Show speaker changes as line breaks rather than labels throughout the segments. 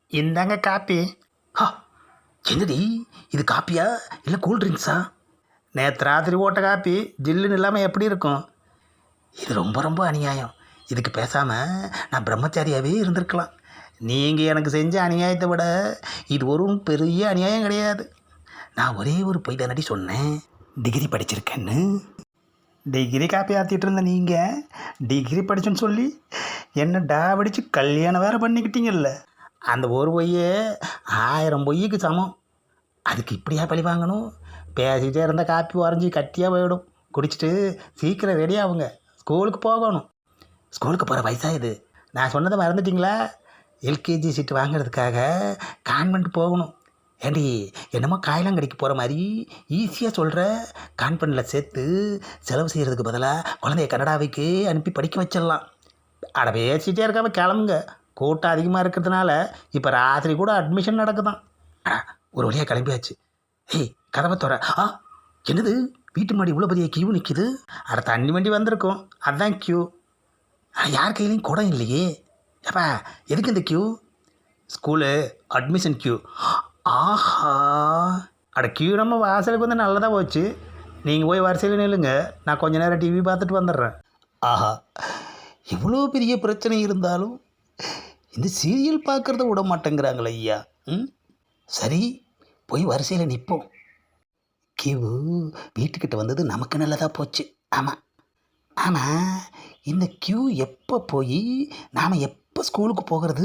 இந்தாங்க காப்பி.
ஹா, என்னடி இது காப்பியா இல்லை கூல் ட்ரிங்க்ஸா?
நேற்று ராத்திரி ஓட்ட காப்பி ஜில்லுன்னு இல்லாமல் எப்படி இருக்கும்?
இது ரொம்ப ரொம்ப அநியாயம். இதுக்கு பேசாமல் நான் பிரம்மச்சாரியாகவே இருந்திருக்கலாம்.
நீங்கள் எனக்கு செஞ்ச அநியாயத்தை விட இது ஒரு பெரிய அநியாயம் கிடையாது.
நான் ஒரே ஒரு பொய் தானடி சொன்னேன், டிகிரி படிச்சிருக்கேன்னு.
டிகிரி காப்பி ஆற்றிட்டு இருந்த நீங்கள் டிகிரி படிச்சுன்னு சொல்லி என்ன டாவடிச்சு கல்யாணம் வேறு பண்ணிக்கிட்டீங்கல்ல. அந்த ஒரு பொய்யே 1000 பொய்யுக்கு சமம்.
அதுக்கு இப்படியா பழி வாங்கணும்?
பேசிக்கிட்டே இருந்தால் காப்பி வரைஞ்சி கட்டியாக போயிடும். குடிச்சிட்டு சீக்கிரம் ரெடி ஆகுங்க, ஸ்கூலுக்கு போகணும்.
ஸ்கூலுக்கு போகிற வயசா இது?
நான் சொன்னதை மறந்துட்டிங்களா?
எல்கேஜி சீட்டு வாங்குறதுக்காக கான்வென்ட் போகணும். ஏண்டி என்னமோ காயலாங்கடிக்கு போகிற மாதிரி ஈஸியாக சொல்கிற. கான்வென்ட்டில் சேர்த்து செலவு செய்கிறதுக்கு பதிலாக குழந்தைய கனடாவுக்கு அனுப்பி படிக்க வச்சிடலாம்.
அட பேசிகிட்டே இருக்காம கிளம்புங்க. கூட்டம் அதிகமாக இருக்கிறதுனால இப்போ ராத்திரி கூட அட்மிஷன் நடக்குதான்.
ஒரு வழியாக கிளம்பியாச்சு. ஏய், கதவை தோற. என்னது வீட்டு மாடி இவ்வளோ பெரிய கியூ நிற்கிது?
அட தண்ணி வண்டி வந்திருக்கும், அதுதான் கியூ.
யார் கையிலையும் குடம் இல்லையே. ஏப்பா, எதுக்கு இந்த கியூ?
School admission queue.
ஆஹா,
அட கியூ நம்ம வாசலுக்கு வந்து நல்லதாக போச்சு. நீங்கள் போய் வரிசையில் நில்லுங்க, நான் கொஞ்ச நேரம் டிவி பார்த்துட்டு வந்துடுறேன்.
ஆஹா, இவ்வளோ பெரிய பிரச்சனை இருந்தாலும் இந்த சீரியல் பார்க்குறத விட மாட்டேங்கிறாங்களே ஐயா. சரி, போய் வரிசையில் நிற்போம். கியூ வீட்டுக்கிட்ட வந்தது நமக்கு நல்லதாக போச்சு. ஆமாம் ஆனால் இந்த கியூ எப்போ போய் நாம் எப்போ ஸ்கூலுக்கு போகிறது?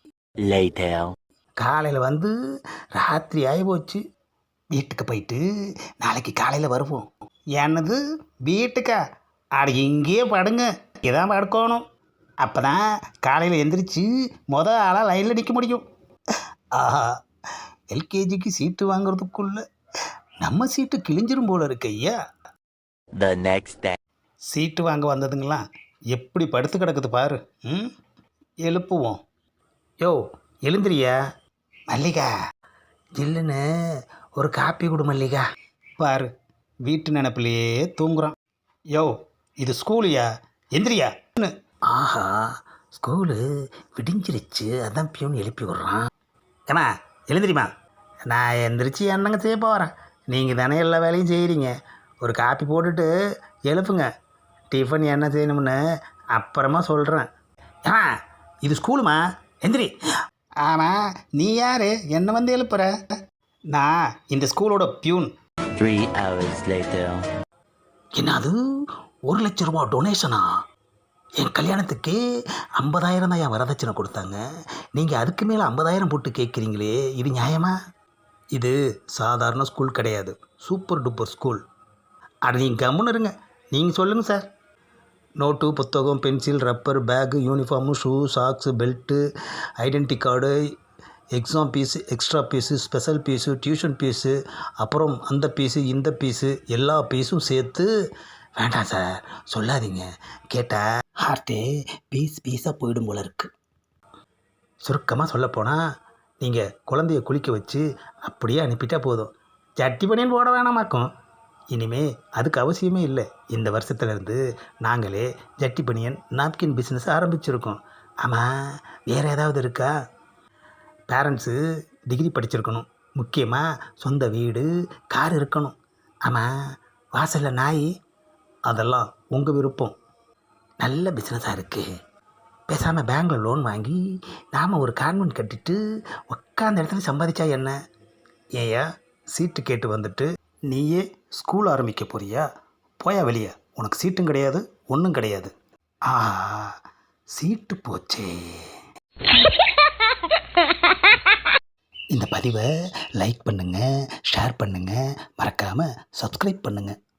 காலையில் வந்து ராத்திரி ஆகி போச்சு.
வீட்டுக்கு போயிட்டு நாளைக்கு காலையில் வருவோம்.
என்னது வீட்டுக்கா? அட இங்கேயே படுங்க, இதான் படுக்கணும். அப்போ தான் காலையில் எந்திரிச்சு ஆளாக லைனில் நிற்க முடியும்.
ஆஹா, எல்கேஜிக்கு சீட்டு வாங்குறதுக்குள்ள நம்ம சீட்டு கிழிஞ்சிரும் போல இருக்கு ஐயா.
சீட்டு வாங்க வந்ததுங்களா எப்படி படுத்து கிடக்குது பாரு. எழுப்புவோம். யோ எழுந்திரியா.
மல்லிகா, ஜில்லுன்னு ஒரு காப்பி கொடு மல்லிகா.
பாரு, வீட்டு நினப்பிலேயே தூங்குறான். யோ இது ஸ்கூலுயா, எந்திரியா.
ஆஹா, ஸ்கூலு விடிஞ்சிருச்சு, அதான் பியூன் எழுப்பி விட்றான்.
ஏமா எழுந்திரிமா. நான் எந்திரிச்சு என்னங்க செய்ய போகிறேன்? நீங்கள் தானே எல்லா வேலையும் செய்கிறீங்க. ஒரு காப்பி போட்டுட்டு எழுப்புங்க. டிஃபன் என்ன செய்யணும்னு அப்புறமா சொல்கிறேன்.
ஏமா, இது ஸ்கூலுமா, எந்திரி.
ஆமாம், நீ யார் என்னை வந்து எழுப்புற? நான் இந்த ஸ்கூலோட பியூன்.
3 hours later.
என்ன அது, 1 லட்சம் ரூபா டொனேஷனா? என் கல்யாணத்துக்கு 50,000 தான் என் வரதட்சணை கொடுத்தாங்க. நீங்கள் அதுக்கு மேலே 50,000 போட்டு கேட்குறீங்களே, இது நியாயமா?
இது சாதாரண ஸ்கூல் கிடையாது, சூப்பர் டூப்பர் ஸ்கூல். அது நீங்கள் கம்முன்னு இருங்க. நீங்கள் சொல்லுங்கள் சார். நோட்டு, புத்தகம், pencil, rubber, bag, uniform, shoe, socks, belt, identity card, exam fees, extra fees, special fees, tuition fees, அப்புறம் அந்த ஃபீஸு இந்த ஃபீஸு, எல்லா ஃபீஸும் சேர்த்து.
வேண்டாம் சார், சொல்லாதீங்க. கேட்டால் ஹார்ட்டே பீஸாக போயிடும் போல இருக்குது.
சுருக்கமாக சொல்லப்போனால் நீங்கள் குழந்தைய குளிக்க வச்சு அப்படியே அனுப்பிட்டா போதும். ஜட்டி பனியன் போட வேணாமாக்கும். இனிமே அதுக்கு அவசியமே இல்லை. இந்த வருஷத்துலேருந்து நாங்களே ஜட்டி பனியன் நாப்கின் பிஸ்னஸ் ஆரம்பிச்சிருக்கோம்.
ஆமாம், வேறு ஏதாவது இருக்கா?
பேரண்ட்ஸு டிகிரி படிச்சிருக்கணும். முக்கியமாக சொந்த வீடு, கார் இருக்கணும்.
ஆமாம், வாசலில் நாய்.
அதெல்லாம் உங்கள் விருப்பம்.
நல்ல பிஸ்னஸாக இருக்குது. பேசாமல் பேங்கில் லோன் வாங்கி நாம் ஒரு கான்வென்ட் கட்டிட்டு உட்காந்த இடத்துல சம்பாதிச்சா என்ன?
ஏயா சீட்டு கேட்டு வந்துட்டு நீயே ஸ்கூல் ஆரம்பிக்க போறியா? போயா வெளியே. உனக்கு சீட்டும் கிடையாது, ஒன்றும் கிடையாது.
சீட்டு போச்சே. இந்த பதிவை லைக் பண்ணுங்கள், ஷேர் பண்ணுங்கள், மறக்காமல் சப்ஸ்கிரைப் பண்ணுங்கள்.